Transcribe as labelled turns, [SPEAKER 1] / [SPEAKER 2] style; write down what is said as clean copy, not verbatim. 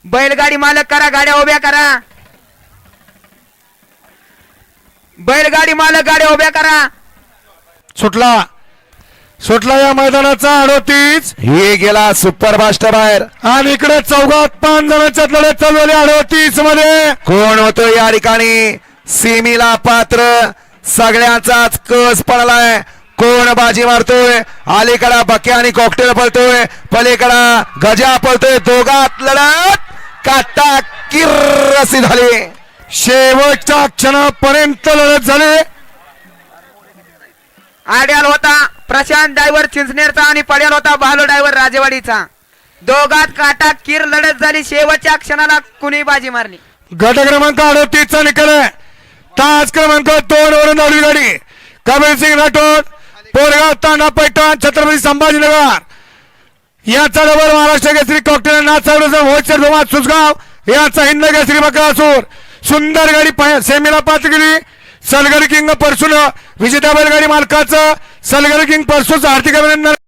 [SPEAKER 1] बैलगाडी मालक करा गाड्या उभ्या करा. बैलगाडी मालक गाड्या उभ्या करा.
[SPEAKER 2] सुटला सुटला या मैदानाचा 38.
[SPEAKER 3] हे गेला सुपर फास्ट बाहेर.
[SPEAKER 2] आणि इकडे चौघात 5 जणांच्या लढत चालू झाली 38 मध्ये.
[SPEAKER 3] कोण होतो या ठिकाणी सीमीला पात्र. सगळ्यांचाच कस पडलाय. कोण बाजी मारतोय. अलीकडा बके आणि कॉकटेल पळतोय. पलीकडा गजा पळतोय. दोघात लढत काटा किर्रसी झाली.
[SPEAKER 2] शेवटच्या क्षणापर्यंत लढत झाली.
[SPEAKER 1] आड्याल होता प्रशांत ड्रायव्हर चिंचनेरचा आणि पड्याल होता भालो ड्रायव्हर राजेवाडीचा. दोघात काटा किर लढत झाली. शेवटच्या क्षणाला कुणी बाजी मारली.
[SPEAKER 2] गट क्रमांक 38 चा निकाल आहे. तास क्रमांक 2 वरून धावली गाडी. कबीर सिंग राठोड पोरगाव तांडा पैठण छत्रपती संभाजीनगर याचा डबल महाराष्ट्र केसरी कॉकटेल नाथसाहेब होळकर धुमाळ सुसगाव याचा हिंद केसरी बकासूर. सुंदर गाडी सेमीला पात्र गेली. सलगरी किंग परसून विजेता बैलगाडी मालकाचं सलगरी किंग परसूचं हार्दिक अभिनंदन.